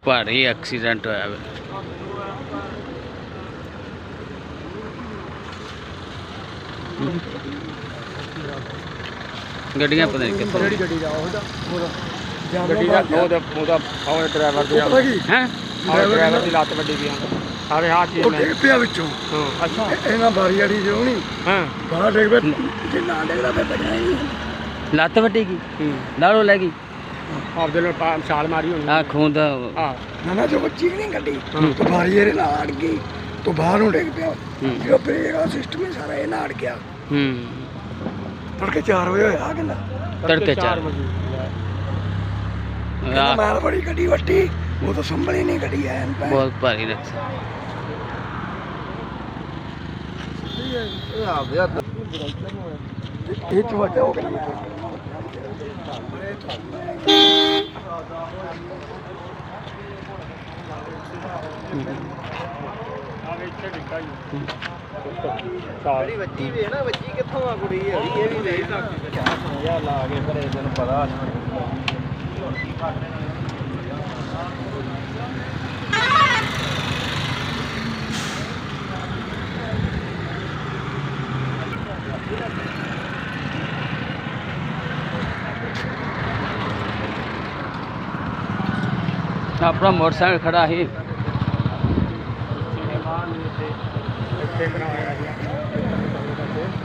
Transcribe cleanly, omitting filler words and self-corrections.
भारी एक्सीडेंट होया वे। गड्डियां पता नहीं कितने गड्डी दा ओहदा ड्राइवर दी हैं ड्राइवर दी लत्त वड्डी गई सारे हाथ ਉਹ ਡਿੱਗ ਪਿਆ ਵਿੱਚੋਂ अच्छा ਇਹਨਾਂ ਬਾਰੀ ਵਾਲੀ ਜੋ ਨਹੀਂ हाँ ਬਾਹਰ ਡਿੱਗ ਪਿਆ ਜੇ ਨਾ ਡਿੱਗਦਾ ਫਿਰ ਬਚਣਾ ਹੀ ਨਹੀਂ ਲੱਤ ਵੱਟੀ ਗਈ ਨਾਲੋਂ ਲੈ ਗਈ ਆਪਦੇ ਨਾਲ ਛਾਲ ਮਾਰੀ ਹੋਣੀ ਆ ਖੂਨ ਦਾ ਹਾਂ ਨਾ ਨਾ ਜੋ ਬੱਚੀ ਨਹੀਂ ਗੱਡੀ ਤੋਂ ਬਾਰੀ ਇਹਦੇ ਨਾਲ ਅੜ ਗਈ ਤੋਂ ਬਾਹਰ ਨੂੰ ਡਿੱਗ ਪਿਆ ਜੋ ਬ੍ਰੇਕ ਦਾ ਸਿਸਟਮ ਹੀ ਸਾਰਾ ਇਹ ਨਾਲ ਅੜ ਗਿਆ ਤੜਕੇ 4 ਵਜੇ ਹੋਇਆ ਕਹਿੰਦਾ ਤੜਕੇ 4 ਕਹਿੰਦਾ ਮਾਲ ਬੜੀ ਗੱਡੀ ਵੱਟੀ ਉਹ ਤਾਂ ਸੰਭਲੀ ਨਹੀਂ ਗੱਡੀ ਐਨ ਪੈ बहुत भारी रक्षा ਇਹ ਚ ਵੱਜਾ ਹੋ ਗਿਆ ਮੈਂ ਸਾਰੀ ਬੱਚੀ ਵੀ ਹੈ ਨਾ ਬੱਚੀ ਕਿੱਥੋਂ ਆ ਕੁੜੀ ਇਹ ਵੀ ਵੇਖ ਸਮਝਿਆ ਲਾ ਕੇ ਘਰੇ ਤੈਨੂੰ ਪਤਾ अपना मोटरसाइकिल खड़ा ही ਇੱਥੇ ਬਣਾਇਆ ਗਿਆ